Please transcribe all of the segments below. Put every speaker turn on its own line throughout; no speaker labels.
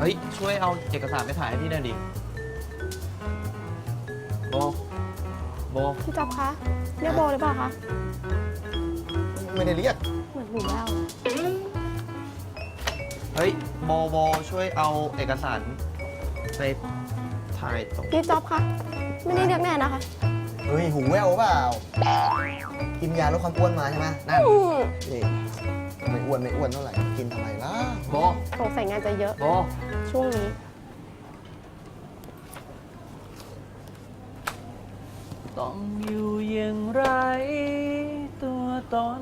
ฮ้ยช่วยเอาเอกสารไปถ่ายให้พี่หน่อยดิโบโบ
พี่จ๊อบคะเรียกโบหรือเปล่าคะ
ไม่ได้เรียก
เหมือนหูแว่ว
เฮ้ยโบช่วยเอาเอกสารไปถ่ายตรง
พี่จ๊อบคะไม่ได้เรียกแน่นะคะ
เฮ้ยหูแว่วเปล่า กินยาลดความอ้วนมาใช่ไหมนั่น
อืม
นี่ไม่อ้วนเท่าไหร่ กินทำไมล่ะ
โบ
สงสัยงานจะเยอะ
โบ
ช่วงนี้
ต้องอยู่อย่างไรตัวตน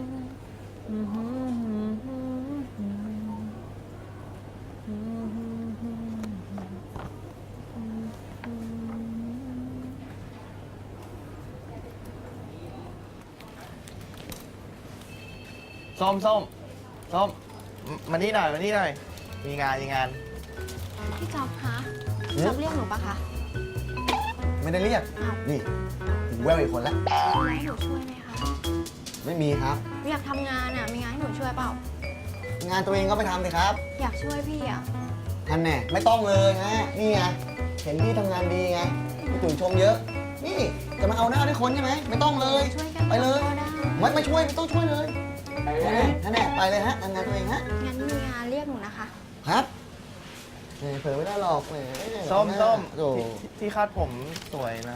ส้มมานี่หน่อยมีงาน
พี่จ๊อบคะจ๊อบเรียกหนูปะคะ
ไม่ได้เรียก
อ้าว
นี่หูแว่วอีกคนแล้ว
ให้หนูช่วยไหมคะ
ไม่มีครับ
อยากทำงานอ่ะมีงานให้หนูช่วยเปล่า
งานตัวเองก็ไปทำสิครับ
อยากช่วยพี่อ่ะ
ท่านแน่ไม่ต้องเลยนะนี่ไง เห็นพี่ทำงานดีไงพี่ตุ๋ยชมเยอะ นี่จะมาเอาหน้าด้วยคนใช่ไหมไม่ต้องเลย
ช่วยกัน
ไปเลย
ก็ได้
ไม่ช่วยไม่ต้องช่วยเลยท่านแน่ไปเลยฮะทำงานตัวเองฮะ
งั้นมีงานเรียกหนูนะคะ
ครับแหมเผลอไม่ได้หรอกแหม
ส้ม
โอ้
ที่คาดผมสวยนะ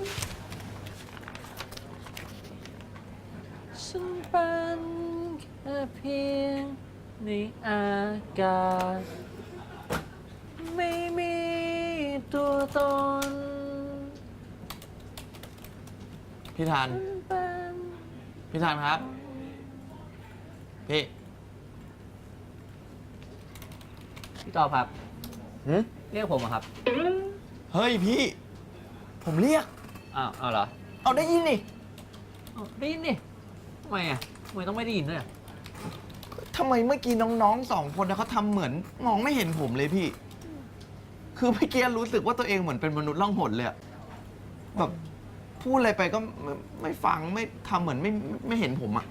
ฉันเป็นแค่เพียงในอากาศไม่มีตัวตนพี่ทานครับ พี่จอบครับ
หืม
เรียกผมครับ เฮ้ยพี่ ผมเรียก
เอาเหรอ
เอาได้ยินนี่
ได้ยินดิทำไมอ่ะทำไมต้องไม่ได้ยินด้วยอ่ะ
ทำไมเมื่อกี้น้องๆ2 คนนะเขาทำเหมือนมองไม่เห็นผมเลยพี่ คือเมื่อกี้รู้สึกว่าตัวเองเหมือนเป็นมนุษย์ล่องหนเลยอะแบบพูดอะไรไปก็ไม่ฟังไม่ทำเหมือนไม่เห็นผมอะ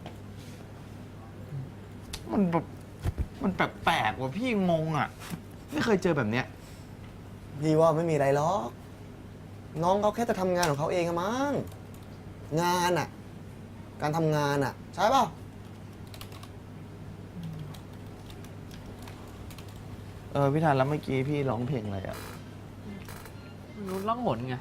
มันแบบมันแปลกๆว่ะพี่งงอะไม่เคยเจอแบบเนี้ย
พี่ว่าไม่มีอะไรหรอก น้องเขาแค่จะทำงานของเขาเองอะมั้ง งานอะการทำงานอะใช่เปล่า
พี่ทันแล้วเมื่อกี้พี่ร้องเพลงอะไรอะ
มนุษย์ล่องหนไง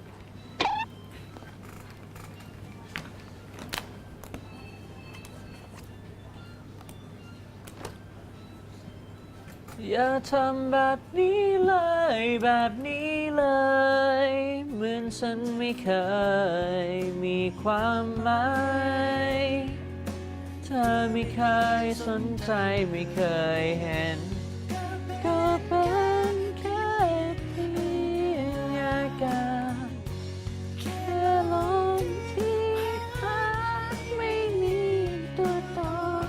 อย่าทำแบบนี้เลยแบบนี้เลย เหมือนฉันไม่เคยมีความหมายเธอไม่เคยสนใจไม่เคยเห็น ก็เป็นแค่เพียงอากาศแค่ลมที่พัดไม่มีตัวตน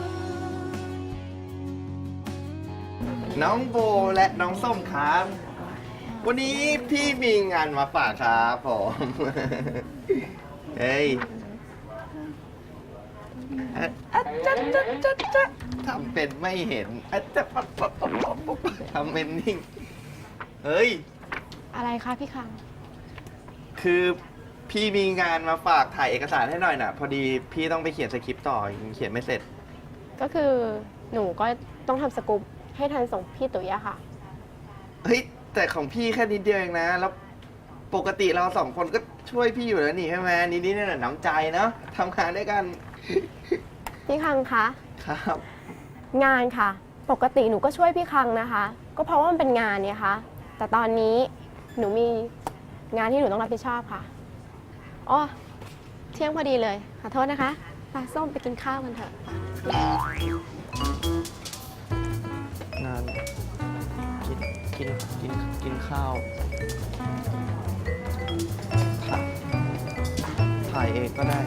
น้องโบและน้องส้มครับ วันนี้พี่มีงานมาฝากครับผม เฮ้ยจ๊ะทำเป็นไม่เห็นจ๊ะทำเป็นนิ่ง เฮ้ย
อะไรคะพี่คัง
คือพี่มีงานมาฝากถ่ายเอกสารให้หน่อยน่ะ พอดีพี่ต้องไปเขียนสคริปต์ต่อยังเขียนไม่เสร็จ
ก็คือหนูก็ต้องทำสกู๊ปให้ทันส่งพี่ตุ๋ยอะค่ะ
เฮ้ย แต่ของพี่แค่นิดเดียวเองนะ แล้วปกติเรา2 คนก็ช่วยพี่อยู่แล้วนี่ใช่ไหมนิดๆนั่นน้ำใจเนาะทำงานด้วยกัน
พี่คังคะ
ครับ
งานค่ะ ปกติหนูก็ช่วยพี่คังนะคะ ก็เพราะว่ามันเป็นงานเนี่ยค่ะ แต่ตอนนี้หนูมีงานที่หนูต้องรับผิดชอบค่ะอ๋อเที่ยงพอดีเลยขอโทษนะคะปลาส้มไปกินข้าวกันเถอะ
งานกินข้าวถ่ายเองก็ได้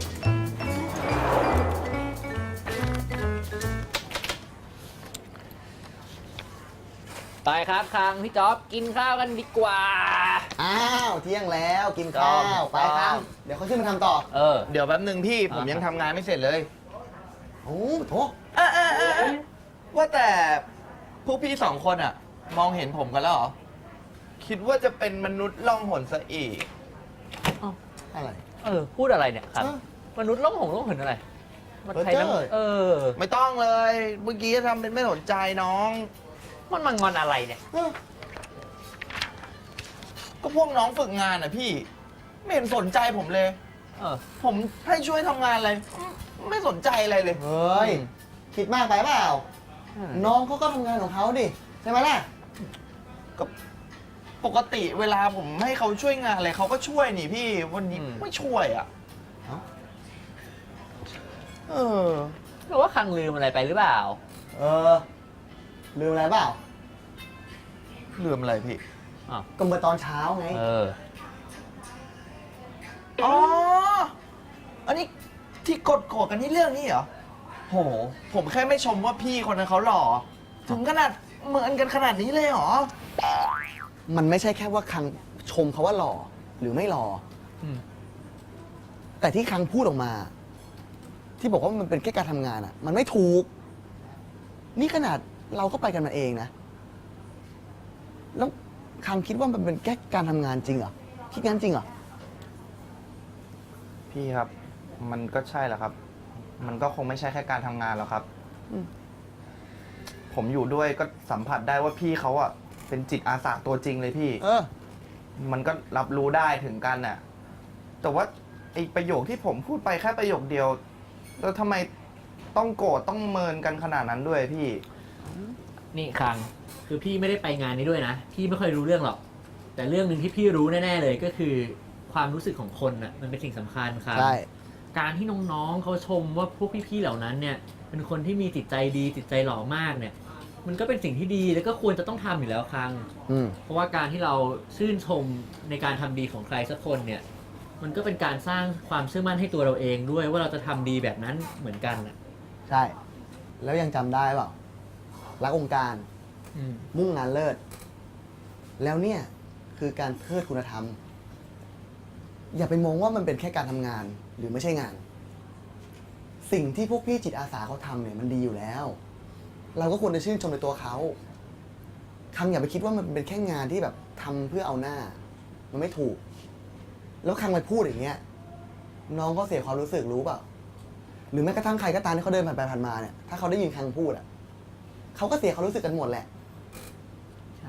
ไปครับคังพี่จ๊อบกินข้าวกันดีกว่า
อ้าวเที่ยงแล้วกินข้าวไปครับ เดี๋ยวเขาขึ้นมาทำต่อ
เดี๋ยวแป๊บหนึ่งพี่ผมยังทำงานไม่เสร็จเลย
โอ้โถ
ว่าแต่พวกพี่สองคนอะมองเห็นผมกันแล้วเหรอ คิดว่าจะเป็นมนุษย์ล่องหนซะอีก
อะไร
พูดอะไรเนี่ยครับ
เออ
มนุษย์ล่องหงล่องหนอะไรมันใครนั่ง
เออ
ไม่ต้องเลย เมื่อกี้ทำเป็นไม่สนใจน้อง
มันมางอนอะไรเนี่ย
ก็พวกน้องฝึกงานอะพี่ ไม่เห็นสนใจผมเลย
เออ
ผมให้ช่วยทำงานอะไร ไม่สนใจอะไรเลย
เฮ้ย คิดมากไปเปล่า น้องเขาก็ทำงานของเขาดิ ใช่ไหมล่ะ
ก็ปกติเวลาผมให้เขาช่วยงานอะไรเขาก็ช่วยนี่พี่ วันนี้ไม่ช่วยอ่ะ
เอ้า
เออ
หรือว่าคังลืมอะไรไปหรือเปล่า
เออ ลืมอะไรเปล่า
ลืมอะไรพี่
ก็เมื่อตอนเช้าไง
เออ
อ๋อ อันนี้ที่กดกันที่เรื่องนี้เหรอ โห ผมแค่ไม่ชมว่าพี่คนนั้นเขาหล่อ ถึงขนาดเหมือนกันขนาดนี้เลยเหรอ
มันไม่ใช่แค่ว่าคังชมเขาว่าหล่อหรือไม่หล่ออ
ม
แต่ที่คังพูดออกมา ที่บอกว่ามันเป็นแค่การทำงานอ่ะ มันไม่ถูก นี่ขนาดเราก็ไปกันมาเองนะ แล้วคังคิดว่ามันเป็นแค่การทำงานจริงเหรอ คิดงั้นจริงเหรอ
พี่ครับ มันก็ใช่แหละครับ มันก็คงไม่ใช่แค่การทำงานหรอกครับ
อืม
ผมอยู่ด้วยก็สัมผัสได้ว่าพี่เขาอ่ะเป็นจิตอาสาตัวจริงเลยพี่
เออ
มันก็รับรู้ได้ถึงกันน่ะ แต่ว่าไอประโยคที่ผมพูดไปแค่ประโยคเดียว แล้วทำไมต้องโกรธต้องเมินกันขนาดนั้นด้วยพี่
นี่คังคือพี่ไม่ได้ไปงานนี้ด้วยนะ พี่ไม่ค่อยรู้เรื่องหรอก แต่เรื่องหนึ่งที่พี่รู้แน่ๆเลยก็คือความรู้สึกของคนน่ะมันเป็นสิ่งสำคัญครับ
ใช่
การที่น้องๆเขาชมว่าพวกพี่ๆเหล่านั้นเนี่ยเป็นคนที่มีจิตใจดีจิตใจหล่อมากเนี่ย มันก็เป็นสิ่งที่ดีแล้วก็ควรจะต้องทำอยู่แล้วคัง
อืม
เพราะว่าการที่เราชื่นชมในการทำดีของใครสักคนเนี่ย มันก็เป็นการสร้างความเชื่อมั่นให้ตัวเราเองด้วยว่าเราจะทำดีแบบนั้นเหมือนกันน่ะ
ใช่ แล้วยังจำได้เปล่า รักองค์การ
อืม
มุ่งงานเลิศ แล้วเนี่ยคือการเทิดคุณธรรม อย่าไปมองว่ามันเป็นแค่การทำงานหรือไม่ใช่งาน สิ่งที่พวกพี่จิตอาสาเขาทำเนี่ยมันดีอยู่แล้ว เราก็ควรจะชื่นชมในตัวเขาคังอย่าไปคิดว่ามันเป็นแค่งานที่แบบทำเพื่อเอาหน้า มันไม่ถูก แล้วคังไปพูดอย่างเงี้ย น้องก็เสียความรู้สึกรู้เปล่า หรือแม้กระทั่งใครก็ตามที่เขาเดินผ่านไปผ่านมาเนี่ย ถ้าเขาได้ยินคังพูดอ่ะเขาก็เสียความรู้สึกกันหมดแหละ
ใช่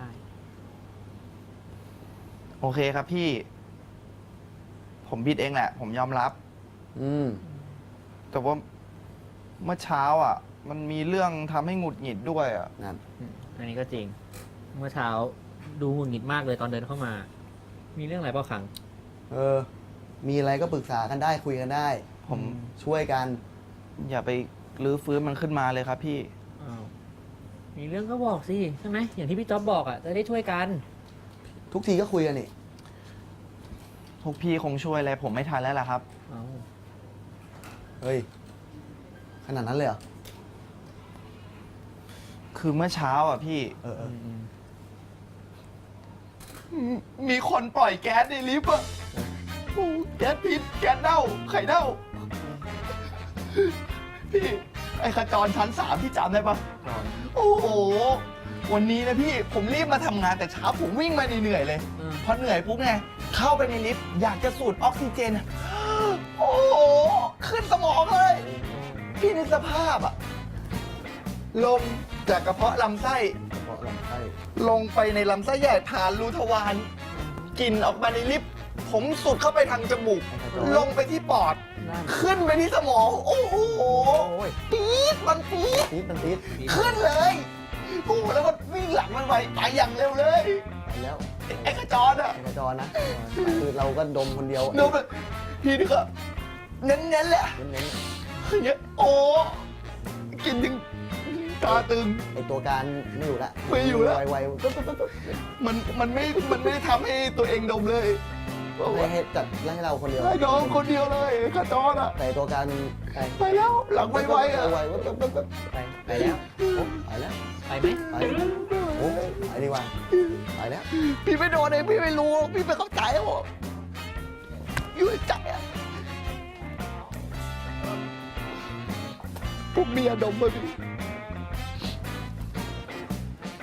โอเคครับพี่ ผมผิดเองแหละ ผมยอมรับ
อืม
แต่ว่าเมื่อเช้าอ่ะ มันมีเรื่องทำให้หงุดหงิดด้วยอ่ะ
นั่น
อันนี้ก็จริง เมื่อเช้าดูหงุดหงิดมากเลยตอนเดินเข้ามา มีเรื่องอะไรเปล่าคัง
เออ มีอะไรก็ปรึกษากันได้คุยกันได้
ผม
ช่วยกัน
อย่าไปรื้อฟื้นมันขึ้นมาเลยครับพี่
อ้าวมีเรื่องก็บอกสิใช่ไหมอย่างที่พี่จ๊อบบอกอ่ะจะได้ช่วยกัน
ทุกทีก็คุยกันนี่
พวกพี่คงช่วยอะไรผมไม่ทันแล้วล่ะครับ
เอา
เฮ้ย ขนาดนั้นเลยเหรอ
คือเมื่อเช้าอ่ะพี่
เออเออ
มีคนปล่อยแก๊สในลิฟต์อ่ะโอ้แก๊สพิษแก๊สเน่าไข่เน่า พี่ ไอ้ขจรชั้น3พี่จำได้ปะโอ้โห วันนี้นะพี่ผมรีบมาทำงานแต่เช้าผมวิ่งมาเหนื่อยๆเลย พอเหนื่อยปุ๊บไงเข้าไปในลิฟต์อยากจะสูดออกซิเจน โอ้โห ขึ้นสมองเลย พี่นึกสภาพอะลมจากกระเพาะลำไส้
กระเพาะลำไส้
ลงไปในลำไส้ใหญ่ผ่านรูทวารกลิ่นออกมาในลิฟต์ผมสูดเข้าไปทางจมูก ลงไปที่ปอด ขึ้นไปที่สมอง โอ้โหปี๊ดมันปี๊ด
ตีดมันตีด
ขึ้นเลยโอ้โหแล้วก็วิ่งหลังมันไปอย่างเร็วเลย
ไปแล้ว
ไอ้ขจรอ่ะ
ไอ้กระจรนะ คือเราก็ดมคนเดียว
ดูแบบพี่นี่ก็เน้นๆแหละ
เน้น
อย่างเงี้ยโอ้กินถึงตาตึง
ๆไอ้ตัวการไม่อยู่ละ
ไม่อยู่ละ
ไวๆปุ๊บปุ๊บปุ๊บปุ๊บ
มันไม่ได้ทำให้ตัวเองดมเลย
ให้จัดให้เราคนเดียว
ให้น้องคนเดียวเลยขจรอ่ะ
แต่ไอ้ตัวการไป
ไปแล้วหลังไวๆอ่ะ
ไวๆปุ๊บปุ๊บปุ๊บปุ๊บ
ไปแล้ว
โอ้ไปแล้ว
ไปไหม
ไปโอ้ไปดีกว่าไปแล้ว
พี่ไม่โดนเองพี่ไม่รู้พี่ไม่เข้าใจหรอกอยู่ในใจอ่ะพวกเมียดมมาพี่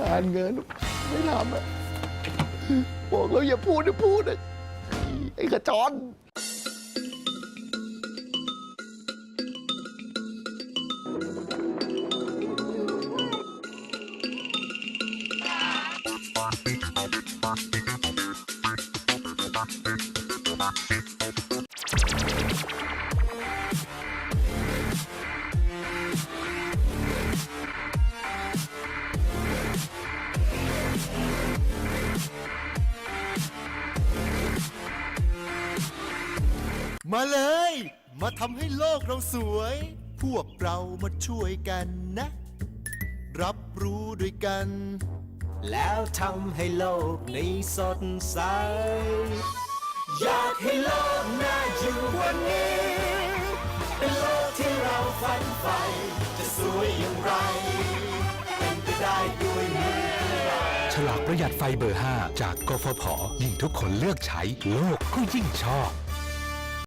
งานเงินไม่ทำอะบอกแล้วอย่าพูดนะพูดอะไอ้ขจร
มาเลย มาทำให้โลกเราสวย พวกเรามาช่วยกันนะ รับรู้ด้วยกัน แล้วทำให้โลกนี้สดใส อยากให้โลกน่าอยู่กว่านี้ เป็นโลกที่เราฝันใฝ่จะสวยอย่างไร เป็นไปได้ด้วยมือเรา
ฉลากประหยัดไฟเบอร์ 5 จากกฟผ ยิ่งทุกคนเลือกใช้ โลกก็ยิ่งชอบ